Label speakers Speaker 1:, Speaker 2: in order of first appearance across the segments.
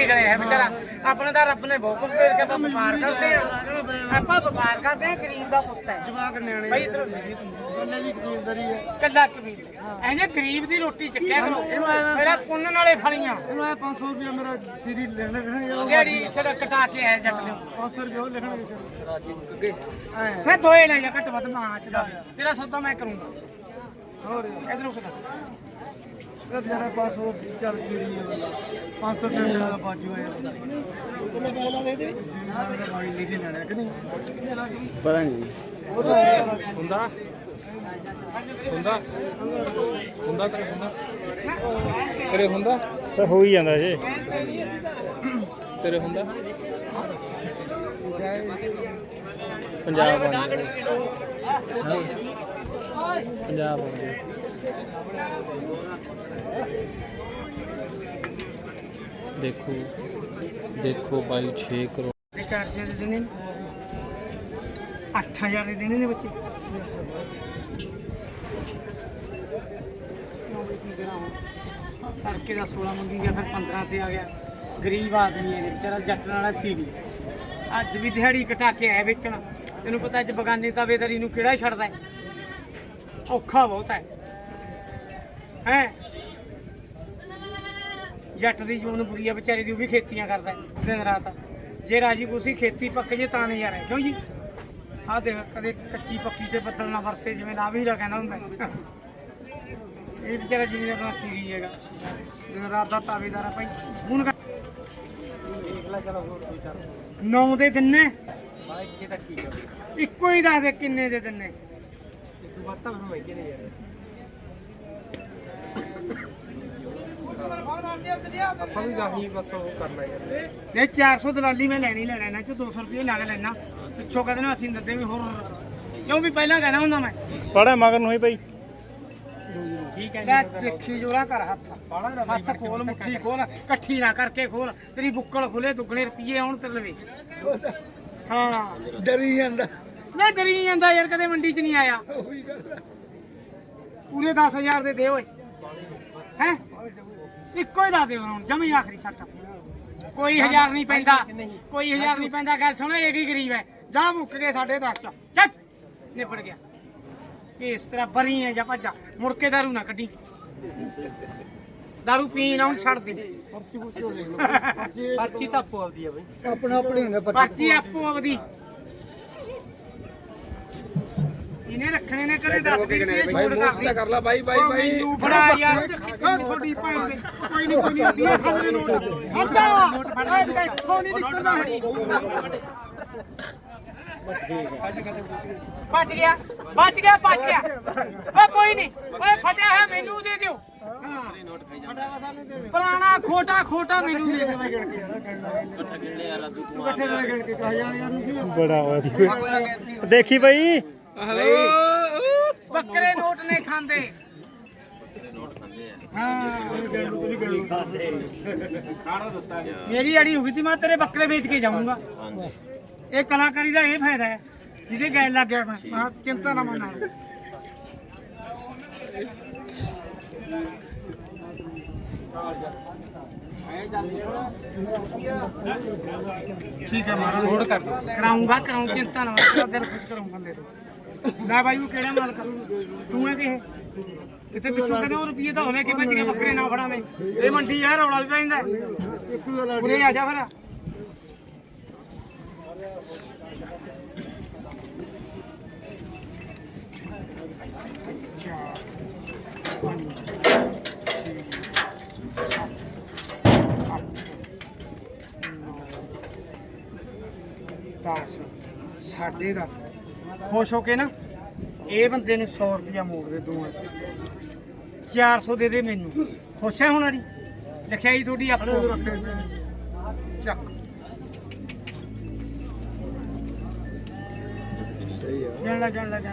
Speaker 1: ਕਰਿਆ ਵਿਚਾਰਾ ਆਪਣੇ ਤਾਂ ਰੱਬ ਨੇ ਬਹੁਤ ਕੁਝ ਦੇ ਕੇ ਆਪਾਂ ਵਪਾਰ ਕਰਦੇ ਆ ਆਪਾਂ ਵਪਾਰ ਕਰਦੇ ਆ ਗਰੀਬ ਦਾ ਪੁੱਤ ਹੈ
Speaker 2: ਜਵਾਕ ਨਿਆਣੇ
Speaker 1: ਬਈ ਇਧਰ
Speaker 2: ਉਹਨੇ ਵੀ ਕਬੀਲਦਾਰੀ ਹੈ
Speaker 1: ਕੱਲਾ ਕਬੀਲ ਐ ਜੇ ਗਰੀਬ ਦੀ ਰੋਟੀ ਚੱਕਿਆ ਕਰੋ ਮੇਰਾ ਪੁੰਨ ਨਾਲੇ ਫਲੀਆਂ
Speaker 2: ਇਹਨੂੰ ਆਇਆ 500 ਰੁਪਏ ਮੇਰਾ ਸੀਰੀ ਲਿਖਣਗੇ
Speaker 1: ਜਿਹੜੀ ਛੜਾ ਕਟਾ ਕੇ ਆਇਆ ਜੱਟ ਦੇ
Speaker 2: 500 ਰੁਪਏ ਉਹ ਲਿਖਣਗੇ ਰਾਜੀ
Speaker 1: ਮੈਂ ਦੋਏ ਲੈ ਜਾ ਘੱਟ ਵੱਧ ਮਾਂ ਚ ਦਾ ਤੇਰਾ ਸੌਦਾ ਮੈਂ ਕਰੂੰਗਾ
Speaker 2: ਹੋਰ
Speaker 1: ਇਧਰੋਂ ਕਿਦਾ
Speaker 2: ਇਹ ਜਰਾ 500 ਚੱਲ ਸੀਰੀ ਹੈ 500 ਰੁਪਏ ਦਾ ਬਾਜੂ ਹੈ ਕਿੰਨੇ ਪੈਸੇ ਲਾ ਦੇ ਦੇ ਬਾਈ ਲਿਖੇ ਲੈਣਾ ਕਿ ਨਹੀਂ ਪਤਾ ਨਹੀਂ
Speaker 3: ਹੁੰਦਾ ਤੇਰੇ ਹੁੰਦਾ
Speaker 4: ਤਾਂ ਹੋ ਹੀ ਜਾਂਦਾ ਜੀ
Speaker 3: ਤੇਰੇ ਹੁੰਦਾ
Speaker 4: ਪੰਜਾਬ ਪੰਜਾਬ ਦੇਖੋ ਦੇਖੋ ਬਾਈ 6 ਕਰੋੜ
Speaker 1: ਦੇ ਚਾਰਜਰ ਦੇ ਦੇਣੇ 8000 ਦੇ ਦੇਣੇ ਨੇ ਬੱਚੇ ਕਰਕੇ ਦਾ 16 ਮੰਗੀ ਗਿਆ ਫਿਰ 15 ਤੇ ਆ ਗਿਆ ਗਰੀਬ ਆਦਮੀ ਹੈ ਵਿਚਾਰਾ ਜੱਟ ਵਾਲਾ ਸੀ ਨਹੀਂ ਅੱਜ ਵੀ ਦਿਹਾੜੀ ਕਟਾ ਕੇ ਆਇਆ ਵੇਚਣ ਤੈਨੂੰ ਪਤਾ ਅੱਜ ਬਗਾਨੇ ਤਾਵੇਦਾਰੀ ਨੂੰ ਕਿਹੜਾ ਛੱਡਦਾ ਹੈ? ਔਖਾ ਬਹੁਤ ਹੈ ਹੈ ਜੱਟ ਦੀ ਜੂਨ ਬੁਰੀ ਆ ਵਿਚਾਰੇ ਦੀ ਉਹ ਵੀ ਖੇਤੀਆਂ ਕਰਦਾ ਦਿਨ ਰਾਤ ਜੇ ਰਾਜੀ ਕੁਸੀ ਖੇਤੀ ਪੱਕ ਜੇ ਤਾਂ ਨਜ਼ਾਰਾ ਹੈ ਕਿਉਂ ਜੀ ਆਹ ਦੇਖ ਕਦੇ ਕੱਚੀ ਪੱਕੀ ਤੇ ਬੱਦਲ ਨਾ ਵਰਸੇ ਜਿਵੇਂ ਨਾ ਵੀ ਕਹਿੰਦਾ ਹੁੰਦਾ ਇਹ ਵਿਚਾਰਾ ਜਿਵੇਂ ਆਪਣਾ ਸੀਰੀ ਹੈਗਾ ਦਿਨ ਰਾਤ ਦਾ ਤਾਵੇਦਾਰ ਆ ਭਾਈ ਫੋਨ ਦੇਖ ਲੈ ਚਲੋ ਹੋਰ 400 9 ਦੇ ਦਿਨੇ ਬਾਈ ਇੱਥੇ ਤੱਕ ਕੀ ਇੱਕੋ ਹੀ ਦੱਸ ਦੇ ਕਿੰਨੇ ਦੇ ਦਿਨੇ ਤੂੰ ਬਾਤਾਂ ਨੂੰ ਮਹਿੰਗੇ ਨੇ ਯਾਰ ਆਪਾਂ ਵੀ ਗਾਹੀ ਬਸ ਉਹ ਕਰਨਾ ਯਾਰ ਇਹ 400 ਦਲਾਲੀ ਮੈਂ ਲੈਣੀ ਲੈਣਾ ਇਹਨਾਂ ਚ 200 ਰੁਪਏ ਲੱਗ ਲੈਣਾ ਪਿੱਛੋਂ ਕਹਿੰਦੇ ਨੇ ਅਸੀਂ ਦਿੰਦੇ ਵੀ ਹੋਰ ਕਿਉਂ ਵੀ ਪਹਿਲਾਂ ਕਹਿਣਾ ਹੁੰਦਾ ਮੈਂ
Speaker 4: ਪੜਾ ਮਗਰ ਨੂੰ ਹੀ ਭਾਈ
Speaker 1: ਠੀਕ ਹੈ ਦੇਖੀ ਜੋਰਾ ਕਰ ਹੱਥ ਖੋਲ ਮੁੱਠੀ ਖੋਲ ਇਕੱਠੀ ਨਾ ਕਰਕੇ ਖੋਲ ਤੇਰੀ ਬੁੱਕਲ ਖੁੱਲੇ ਦੁੱਗਣੇ ਰੁਪਏ ਆਉਣ ਤੇਰੇ ਲਵੇ ਹਾਂ
Speaker 2: ਡਰੀ ਜਾਂਦਾ
Speaker 1: ਮੈਂ ਡਰੀ ਜਾਂਦਾ ਯਾਰ ਕਦੇ ਮੰਡੀ 'ਚ ਨਹੀਂ ਆਇਆ ਪੂਰੇ 10000 ਦੇ ਓਏ ਹੈ ਇੱਕੋ ਹੀ ਦੱਸ ਦੇ ਹੁਣ ਜਮੀ ਆਖਰੀ ਸੱਟ ਕੋਈ 1000 ਨਹੀਂ ਪੈਂਦਾ ਕੋਈ 1000 ਨਹੀਂ ਪੈਂਦਾ ਗੱਲ ਸੁਣੋ ਇਹ ਵੀ ਗਰੀਬ ਹੈ ਜਾ ਮੁੱਕ ਗਏ 10.5 ਚ ਚੱਕ ਨਿਪੜ ਗਿਆ ਇਸ ਤਰ੍ਹਾਂ ਬਰੀ ਹੈ ਜਾਂ ਭੱਜਾ ਮੁੜ ਕੇ ਦਾਰੂ ਨਾ ਕੱਢੀ ਦਾਰੂ ਪੀਣ ਆਉਣ ਛੱਡ ਦੇ ਪਰਚੀ ਤਾਂ ਆਪੋ ਆਪਦੀ ਆ ਬਈ
Speaker 2: ਆਪਣਾ ਆਪਣੇ ਹੁੰਦਾ
Speaker 1: ਪਰਚੀ ਆਪੋ ਆਪਦੀ ਇਹਨੇ ਰੱਖਣੇ ਨੇ ਕਰੇ 10 ਰੁਪਏ ਛੋੜ ਕਰਦੀ
Speaker 3: ਕਰ ਲੈ ਬਾਈ ਬਾਈ ਬਾਈ
Speaker 1: ਮੈਨੂੰ ਫੜਾ ਯਾਰ ਥੋੜੀ ਭੈਣ ਦੇ ਕੋਈ ਨਹੀਂ 20 ਖਾਦੇ ਨੋਟ ਹਟਾ ਨੋਟ ਫੜਾ ਇੱਥੋਂ ਨਹੀਂ ਨਿਕਲਦਾ ਬਚ ਗਿਆ ਓ ਕੋਈ ਨਹੀਂ ਓਏ ਫਟਿਆ ਹੈ ਮੈਨੂੰ ਦੇ ਦਿਓ ਪੁਰਾਣਾ ਖੋਟਾ ਮੈਨੂੰ ਦੇ ਦਿਓ
Speaker 4: ਬੜਾ ਹੋਇਆ ਦੇਖੀ ਭਾਈ
Speaker 1: ਬੱਕਰੇ ਨੋਟ ਨੇ ਖਾਂਦੇ ਮੇਰੀ ਅੜੀ ਹੋਗੀ ਤੀ ਮੈਂ ਤੇਰੇ ਬੱਕਰੇ ਵੇਚ ਕੇ ਜਾਊਂਗਾ ਇਹ ਕਲਾਕਾਰੀ ਦਾ ਇਹ ਫਾਇਦਾ ਹੈ ਜਿਹਦੇ ਗੈਲ ਲੱਗ ਗਿਆ ਮੈਂ ਚਿੰਤਾ ਨਾ ਮੰਨਾ ਠੀਕ ਹੈ ਮਾਰਾ ਛੋੜ ਕਰ ਕਰਾਉਂਗਾ ਚਿੰਤਾ ਨਾ ਮੰਨਾ ਦਿਲ ਖੁਸ਼ ਕਰਾਉਂ ਬੰਦੇ ਤੋਂ ਲੈ ਬਾਈ ਉਹ ਕਿਹੜਾ ਮਾਲ ਕਰੂ ਤੂੰ ਹੈ ਕਿ ਕਿਤੇ ਪਿੱਛੋਂ ਕਹਿੰਦੇ ਉਹ ਰੁਪਏ ਤਾਂ ਹੋਣੇ ਕਿ ਭੱਜ ਕੇ ਬੱਕਰੇ ਨਾ ਫੜਾਵੇਂ ਇਹ ਮੰਡੀ ਆ ਰੌਲਾ ਵੀ ਪੈਂਦਾ ਉਰੇ ਆ ਜਾ ਫਿਰ ਦਸ 10.5 ਖੁਸ਼ ਹੋ ਕੇ ਨਾ ਇਹ ਬੰਦੇ ਨੂੰ 100 ਰੁਪਇਆ ਮੋੜ ਦੇ ਦੋਵਾਂ 400 ਦੇ ਦੇ ਮੈਨੂੰ ਖੁਸ਼ ਹੈ ਹੁਣ ਵਾਲੀ ਲਿਖਿਆਈ ਤੁਹਾਡੀ ਆਪੋ ਚੱਕ ਜਾਣ ਲੱਗ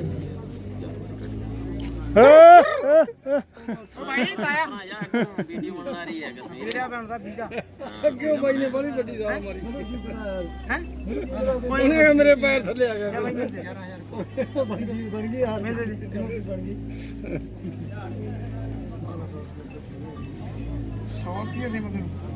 Speaker 1: ਭਾਈ ਤਾਇਆ ਵੀਡੀਓ ਬਣਾ ਰਹੀ ਹੈ ਵੀਡੀਓ ਬਣਦਾ ਵੀਡਾ
Speaker 2: ਅੱਗੇ ਬਾਈ ਨੇ ਬੜੀ ਵੱਡੀ ਜਾਨ ਮਾਰੀ
Speaker 1: ਹੈ
Speaker 2: ਕੋਈ ਨਹੀਂ ਮੇਰੇ ਪੈਰ ਥੱਲੇ ਆ ਗਿਆ
Speaker 1: ਬਣ ਗਈ ਯਾਰ ਮੇਰੇ ਬਣ ਗਈ 100 ਰੁਪਏ ਦੇ ਮਗਰ